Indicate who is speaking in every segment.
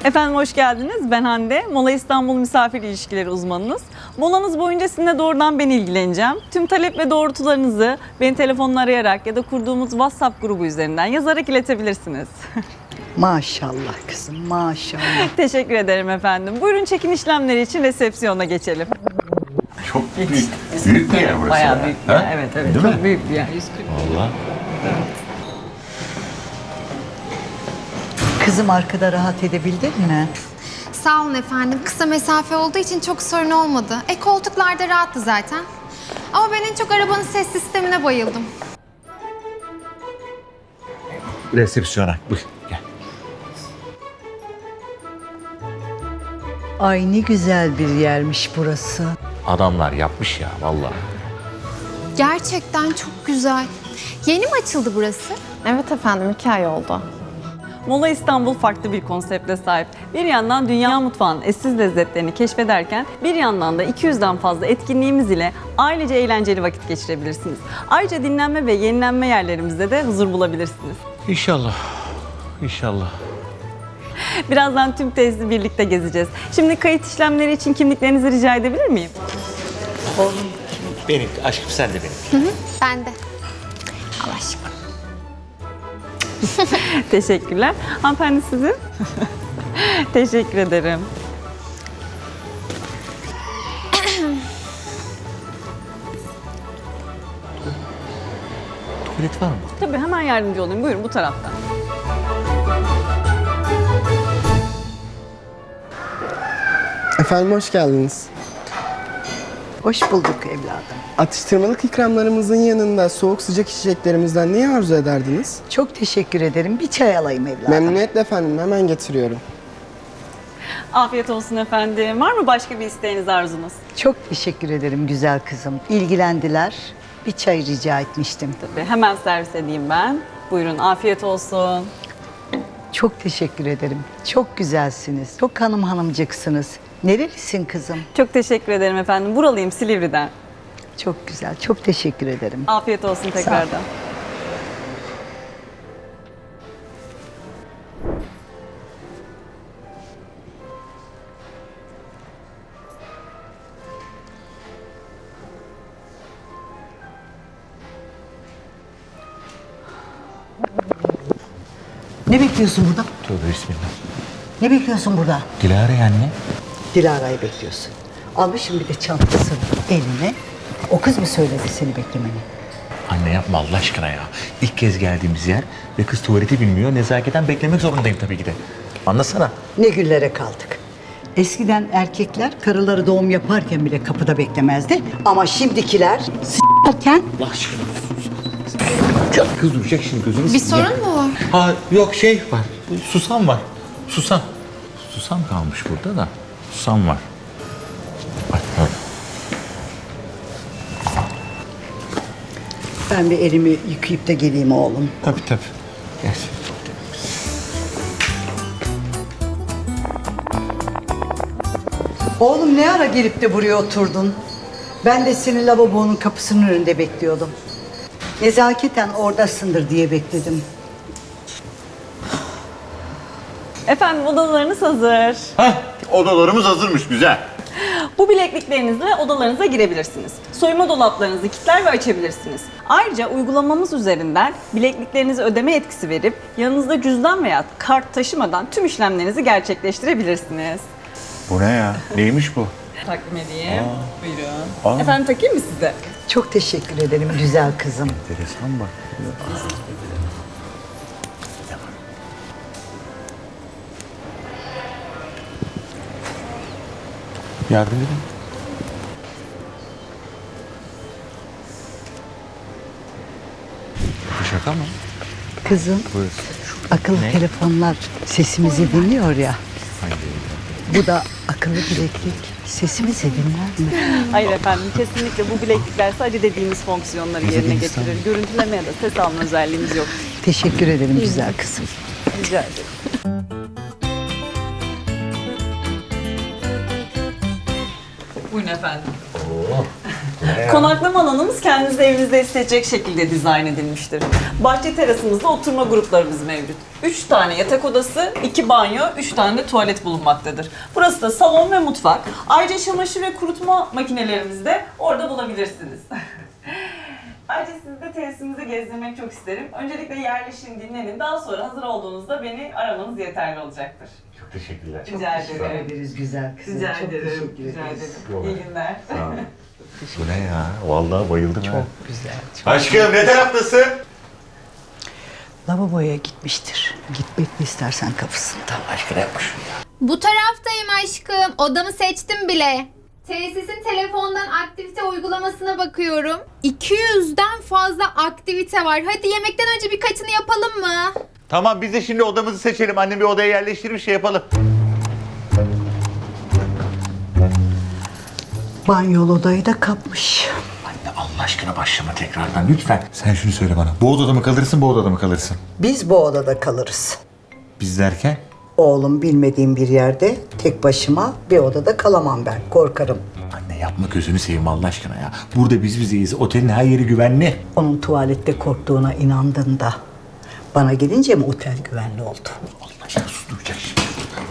Speaker 1: Efendim hoş geldiniz. Ben Hande. Mola İstanbul Misafir İlişkileri uzmanınız. Molanız boyunca sizinle doğrudan ben ilgileneceğim. Tüm talep ve doğrultularınızı beni telefonla arayarak ya da kurduğumuz WhatsApp grubu üzerinden yazarak iletebilirsiniz.
Speaker 2: Maşallah kızım, maşallah.
Speaker 1: Teşekkür ederim efendim. Buyurun çekim işlemleri için resepsiyona geçelim.
Speaker 3: Çok büyük. Büyük bir yer burası.
Speaker 1: Bayağı büyük bir
Speaker 3: Ha?
Speaker 1: yer. Evet evet.
Speaker 3: Değil
Speaker 1: Çok
Speaker 3: mi?
Speaker 1: büyük bir yer.
Speaker 3: Vallahi.
Speaker 2: Kızım arkada rahat edebildin mi?
Speaker 4: Sağ olun efendim. Kısa mesafe olduğu için çok sorun olmadı. Koltuklarda rahattı zaten. Ama ben en çok arabanın ses sistemine bayıldım.
Speaker 3: Resepsiyona. Buyur gel.
Speaker 2: Ay ne güzel bir yermiş burası.
Speaker 3: Adamlar yapmış ya vallahi.
Speaker 4: Gerçekten çok güzel. Yeni mi açıldı burası?
Speaker 5: Evet efendim, 2 ay oldu.
Speaker 1: Mola İstanbul farklı bir konsepte sahip. Bir yandan dünya mutfağının eşsiz lezzetlerini keşfederken bir yandan da 200'den fazla etkinliğimiz ile ailece eğlenceli vakit geçirebilirsiniz. Ayrıca dinlenme ve yenilenme yerlerimizde de huzur bulabilirsiniz.
Speaker 3: İnşallah. İnşallah.
Speaker 1: Birazdan tüm tesisi birlikte gezeceğiz. Şimdi kayıt işlemleri için kimliklerinizi rica edebilir miyim?
Speaker 3: Benim aşkım sen de benim.
Speaker 4: Ben de. Allah aşkına.
Speaker 1: Teşekkürler. Hanımefendi sizin? Teşekkür ederim.
Speaker 3: Tuvalet var mı?
Speaker 1: Tabii hemen yardımcı olayım. Buyurun bu taraftan.
Speaker 6: Efendim hoş geldiniz.
Speaker 2: Hoş bulduk evladım.
Speaker 6: Atıştırmalık ikramlarımızın yanında soğuk sıcak içeceklerimizden neyi arzu ederdiniz?
Speaker 2: Çok teşekkür ederim. Bir çay alayım evladım.
Speaker 6: Memnuniyetle efendim, hemen getiriyorum.
Speaker 1: Afiyet olsun efendim. Var mı başka bir isteğiniz, arzunuz?
Speaker 2: Çok teşekkür ederim güzel kızım. İlgilendiler. Bir çay rica etmiştim.
Speaker 1: Tabii hemen servis edeyim ben. Buyurun afiyet olsun.
Speaker 2: Çok teşekkür ederim. Çok güzelsiniz. Çok hanımcıksınız. Nerelisin kızım?
Speaker 1: Çok teşekkür ederim efendim. Buralıyım Silivri'den.
Speaker 2: Çok güzel. Çok teşekkür ederim.
Speaker 1: Afiyet olsun tekrardan.
Speaker 2: Ne bekliyorsun burada?
Speaker 3: Tövbe bismillah.
Speaker 2: Ne bekliyorsun burada?
Speaker 3: Dilara anne.
Speaker 2: Dilara'yı bekliyorsun. Almışım bir de çantasını eline. O kız mı söyledi seni beklemeni?
Speaker 3: Anne yapma Allah aşkına ya. İlk kez geldiğimiz yer ve kız tuvaleti bilmiyor. Nezaketen beklemek zorundayım tabii ki de. Anlasana.
Speaker 2: Ne güllere kaldık. Eskiden erkekler karıları doğum yaparken bile kapıda beklemezdi. Ama şimdikiler s**erken
Speaker 3: Allah aşkına. Ya kız duyacak şimdi gözünü
Speaker 4: Bir
Speaker 3: seveyim.
Speaker 4: sorun mu var?
Speaker 3: Ha yok şey var. Susam var. Susam. Susam kalmış burada da. Susam var. Bak, bak.
Speaker 2: ben bir elimi yıkayıp da geleyim oğlum.
Speaker 3: Tabii tabii. Gel.
Speaker 2: Oğlum ne ara gelip de buraya oturdun? Ben de seni lavabonun kapısının önünde bekliyordum. Nezaketen oradasındır diye bekledim.
Speaker 1: Efendim odalarınız hazır.
Speaker 7: Heh, odalarımız hazırmış, güzel.
Speaker 1: Bu bilekliklerinizle odalarınıza girebilirsiniz. Soyunma dolaplarınızı kilitler ve açabilirsiniz. Ayrıca uygulamamız üzerinden bilekliklerinize ödeme yetkisi verip yanınızda cüzdan veya kart taşımadan tüm işlemlerinizi gerçekleştirebilirsiniz.
Speaker 3: Bu ne ya? Neymiş bu?
Speaker 1: Takdim edeyim. Buyurun. Efendim takayım mı size?
Speaker 2: Çok teşekkür ederim güzel kızım.
Speaker 3: Enteresan bak. Yardım edin. Bu şaka mı?
Speaker 2: Kızım, akıllı telefonlar sesimizi dinliyor ya. Bu da akıllı bileklik. Sesimizi dinler mi?
Speaker 1: Hayır efendim kesinlikle bu bileklikler sadece dediğimiz fonksiyonları yerine getirir. Görüntüleme ya da ses alma özelliğimiz yok.
Speaker 2: Teşekkür ederim güzel kızım.
Speaker 1: Rica ederim. Buyurun efendim. Konaklama alanımız kendinizi evinizde hissedecek şekilde dizayn edilmiştir. Bahçe terasımızda oturma gruplarımız mevcut. 3 tane yatak odası, 2 banyo, 3 tane de tuvalet bulunmaktadır. Burası da salon ve mutfak. Ayrıca çamaşır ve kurutma makinelerimizi de orada bulabilirsiniz. Ayrıca sizi de tesisimizi gezdirmek çok isterim. Öncelikle yerleşin, dinlenin. Daha sonra hazır olduğunuzda beni aramanız yeterli olacaktır.
Speaker 3: Çok teşekkürler.
Speaker 1: Rica ederim.
Speaker 2: ederiz güzel kızım.
Speaker 1: Rica
Speaker 2: Çok
Speaker 1: ederim.
Speaker 2: teşekkür
Speaker 1: Rica
Speaker 2: ederiz.
Speaker 1: ederim. İyi günler.
Speaker 3: Bu ne ya? Vallahi bayıldım. Çok
Speaker 2: Güzel.
Speaker 3: Aşkım ne taraftasın?
Speaker 2: Lavaboya gitmiştir. Git bekle istersen kapısında.
Speaker 3: Aşkına yapmış.
Speaker 4: Bu taraftayım aşkım. Odamı seçtim bile. Tesisin telefondan aktivite uygulamasına bakıyorum. 200'den fazla aktivite var. Hadi yemekten önce birkaçını yapalım mı?
Speaker 3: Tamam biz de şimdi odamızı seçelim. Annem bir odaya yerleştirir bir şey yapalım.
Speaker 2: Banyol odayı da kapmış.
Speaker 3: Anne Allah aşkına başlama tekrardan lütfen. Sen şunu söyle bana. Bu odada mı kalırsın, bu odada mı kalırsın?
Speaker 2: Biz bu odada kalırız.
Speaker 3: Biz derken?
Speaker 2: Oğlum bilmediğim bir yerde tek başıma bir odada kalamam ben. Korkarım.
Speaker 3: Anne yapma gözünü seveyim Allah aşkına ya. Burada biz bizeyiz. Otelin her yeri güvenli.
Speaker 2: Onun tuvalette korktuğuna inandın da bana gelince mi otel güvenli oldu?
Speaker 3: Allah aşkına sus duyacak şimdi.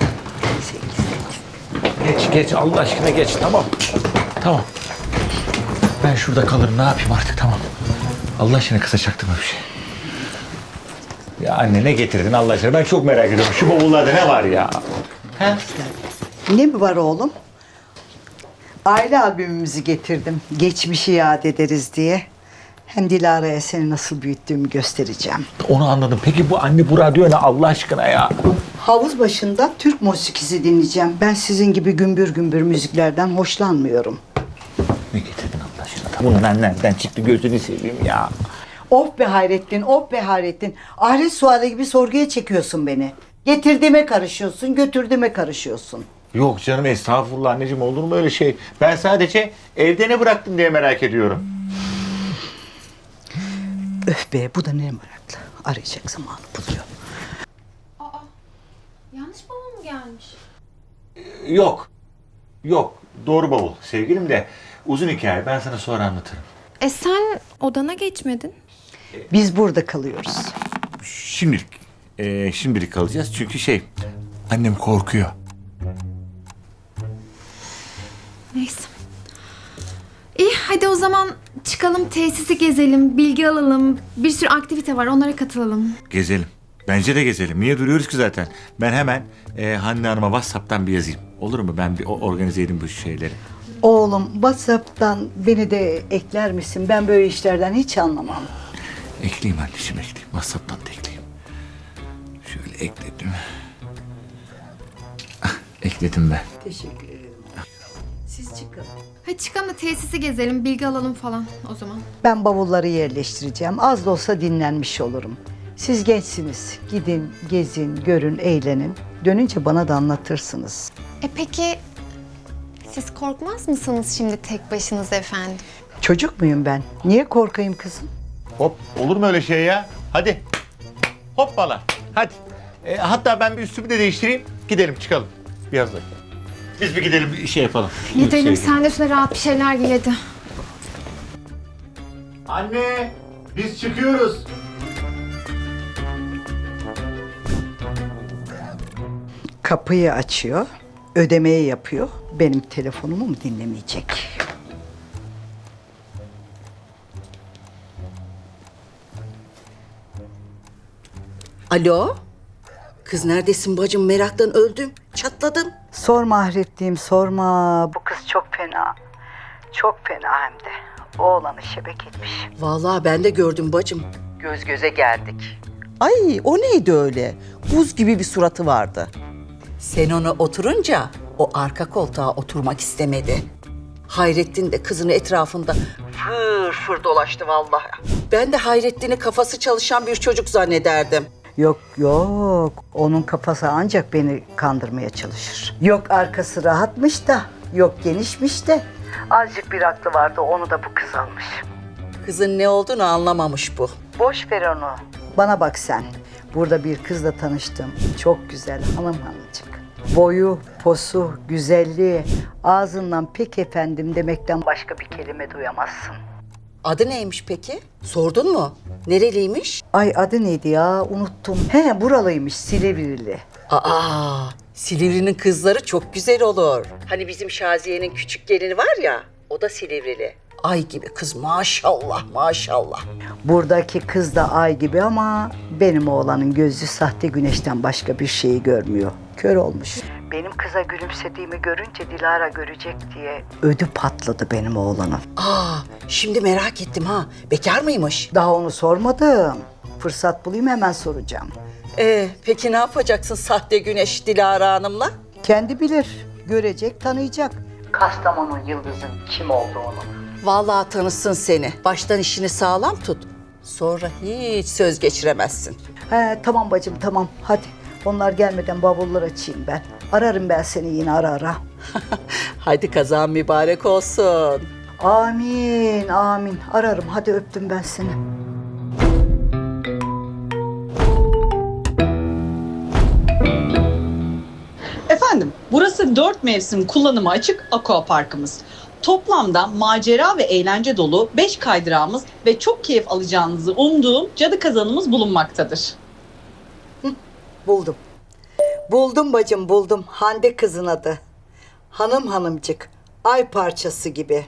Speaker 3: Geç Allah aşkına geç tamam. Tamam. Ben şurada kalırım ne yapayım artık tamam. Allah aşkına kısa çaktırma bir şey. Ya anne ne getirdin Allah aşkına ben çok merak ediyorum. Şu bavullarda ne var ya? He?
Speaker 2: Ne mi var oğlum? Aile albümümüzü getirdim. Geçmişi yad ederiz diye. Hem Dilara'ya seni nasıl büyüttüğümü göstereceğim.
Speaker 3: Onu anladım. Peki bu anne bu radyo ne Allah aşkına ya?
Speaker 2: Havuz başında Türk musikisi dinleyeceğim. Ben sizin gibi gümbür gümbür müziklerden hoşlanmıyorum.
Speaker 3: Ne getirdin Allah aşkına? Bunun nereden çıktı gözünü seveyim ya.
Speaker 2: Of be Hayrettin, of be Hayrettin. Ahiret sualı gibi sorguya çekiyorsun beni. Getirdiğime karışıyorsun, götürdüğüme karışıyorsun.
Speaker 3: Yok canım estağfurullah anneciğim olur mu öyle şey? Ben sadece evde ne bıraktın diye merak ediyorum.
Speaker 2: Öf be, bu da ne meraklı. Arayacak zamanı buluyor.
Speaker 4: Yanlış bavul mu gelmiş?
Speaker 3: Yok. Doğru bavul sevgilim de uzun hikaye ben sana sonra anlatırım.
Speaker 4: Sen odana geçmedin.
Speaker 2: Biz burada kalıyoruz.
Speaker 3: Şimdilik kalacağız çünkü annem korkuyor.
Speaker 4: Neyse. İyi hadi o zaman çıkalım tesisi gezelim, bilgi alalım. Bir sürü aktivite var onlara katılalım.
Speaker 3: Gezelim. Bence de gezelim. Niye duruyoruz ki zaten? Ben hemen Hande Hanım'a WhatsApp'tan bir yazayım. Olur mu? Ben bir organize edeyim bu şeyleri.
Speaker 2: Oğlum, WhatsApp'tan beni de ekler misin? Ben böyle işlerden hiç anlamam.
Speaker 3: Ekleyeyim anneciğim ekleyeyim. WhatsApp'tan da ekleyeyim. Şöyle ekledim. Ekledim ben.
Speaker 2: Teşekkür ederim. Siz çıkın.
Speaker 4: Hadi çıkalım da tesisi gezelim, bilgi alalım falan o zaman.
Speaker 2: Ben bavulları yerleştireceğim. Az da olsa dinlenmiş olurum. Siz gençsiniz. Gidin, gezin, görün, eğlenin. Dönünce bana da anlatırsınız.
Speaker 4: Peki siz korkmaz mısınız şimdi tek başınıza efendim?
Speaker 2: Çocuk muyum ben? Niye korkayım kızım?
Speaker 3: Hop olur mu öyle şey ya? Hadi. Hoppala. Hadi. Hatta ben bir üstümü de değiştireyim. Gidelim çıkalım. Biraz da. Biz bir gidelim bir şey yapalım.
Speaker 4: Gidelim sen de şöyle rahat bir şeyler giy hadi.
Speaker 3: Anne biz çıkıyoruz.
Speaker 2: Kapıyı açıyor, ödemeyi yapıyor. Benim telefonumu mu dinlemeyecek?
Speaker 8: Alo? Kız neredesin bacım? Meraktan öldüm. Çatladım.
Speaker 2: Sorma Ahrettiğim, sorma. Bu kız çok fena. Çok fena hem de. Oğlanı şebek etmiş.
Speaker 8: Vallahi ben de gördüm bacım.
Speaker 2: Göz göze geldik.
Speaker 8: Ay o neydi öyle? Buz gibi bir suratı vardı. Sen ona oturunca o arka koltuğa oturmak istemedi. Hayrettin de kızın etrafında fır fır dolaştı vallahi. Ben de Hayrettin'i kafası çalışan bir çocuk zannederdim.
Speaker 2: Yok yok, onun kafası ancak beni kandırmaya çalışır. Yok arkası rahatmış da, yok genişmiş de. Azıcık bir aklı vardı, onu da bu kız almış.
Speaker 8: Kızın ne olduğunu anlamamış bu.
Speaker 2: Boş ver onu. Bana bak sen. Burada bir kızla tanıştım. Çok güzel hanım hanımcık. Boyu, posu, güzelliği, ağzından pek efendim demekten başka bir kelime duyamazsın.
Speaker 8: Adı neymiş peki? Sordun mu? Nereliymiş?
Speaker 2: Ay adı neydi ya? Unuttum. He buralıymış, Silivrilili.
Speaker 8: Aa, Silivri'nin kızları çok güzel olur. Hani bizim Şaziye'nin küçük gelini var ya, o da Silivrili. Ay gibi kız maşallah maşallah.
Speaker 2: Buradaki kız da ay gibi ama benim oğlanın gözü sahte güneşten başka bir şeyi görmüyor. Kör olmuş. Benim kıza gülümsediğimi görünce Dilara görecek diye ödü patladı benim oğlanın.
Speaker 8: Aa, şimdi merak ettim ha. Bekar mıymış?
Speaker 2: Daha onu sormadım. Fırsat bulayım hemen soracağım.
Speaker 8: Peki ne yapacaksın sahte güneş Dilara Hanım'la?
Speaker 2: Kendi bilir. Görecek, tanıyacak. Kastamonu Yıldız'ın kim olduğunu.
Speaker 8: Vallahi tanısın seni. Baştan işini sağlam tut. Sonra hiç söz geçiremezsin.
Speaker 2: He tamam bacım tamam hadi. Onlar gelmeden bavulları açayım ben. Ararım ben seni yine ara ara.
Speaker 8: Hadi kazan mübarek olsun.
Speaker 2: Amin amin. Ararım hadi öptüm ben seni.
Speaker 9: Efendim, burası 4 mevsim kullanıma açık aquaparkımız. Toplamda macera ve eğlence dolu 5 kaydırağımız ve çok keyif alacağınızı umduğum cadı kazanımız bulunmaktadır.
Speaker 2: Buldum. Buldum bacım buldum. Hande kızın adı. Hanım hanımcık. Ay parçası gibi.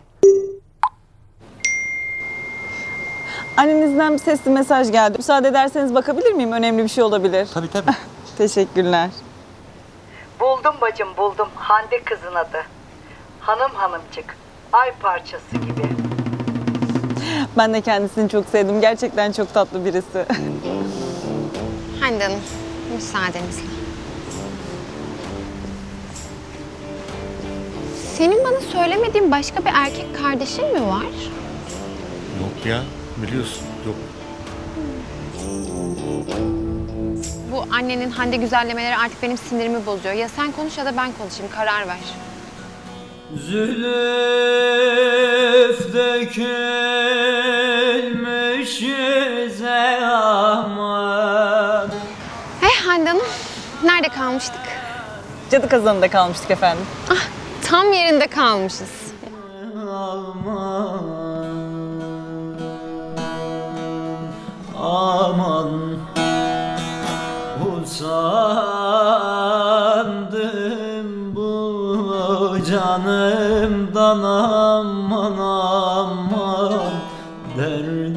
Speaker 1: Annenizden bir sesli mesaj geldi. Müsaade ederseniz bakabilir miyim? Önemli bir şey olabilir.
Speaker 3: Tabii tabii.
Speaker 1: Teşekkürler.
Speaker 2: Buldum bacım buldum. Hande kızın adı. Hanım hanımcık. Ay parçası gibi.
Speaker 1: Ben de kendisini çok sevdim. Gerçekten çok tatlı birisi.
Speaker 5: Hande Hanım, müsaadenizle. Senin bana söylemediğin başka bir erkek kardeşin mi var?
Speaker 7: Yok ya, biliyorsun. Yok.
Speaker 5: Bu annenin Hande güzellemeleri artık benim sinirimi bozuyor. Ya sen konuş ya da ben konuşayım, karar ver.
Speaker 10: Zülüf dökülmüş yüze aman.
Speaker 5: Hande Hanım, nerede kalmıştık?
Speaker 1: Cadı kazanında kalmıştık efendim.
Speaker 5: Ah, tam yerinde kalmışız.
Speaker 10: Aman, aman, usandım bu canımdan aman aman, derdim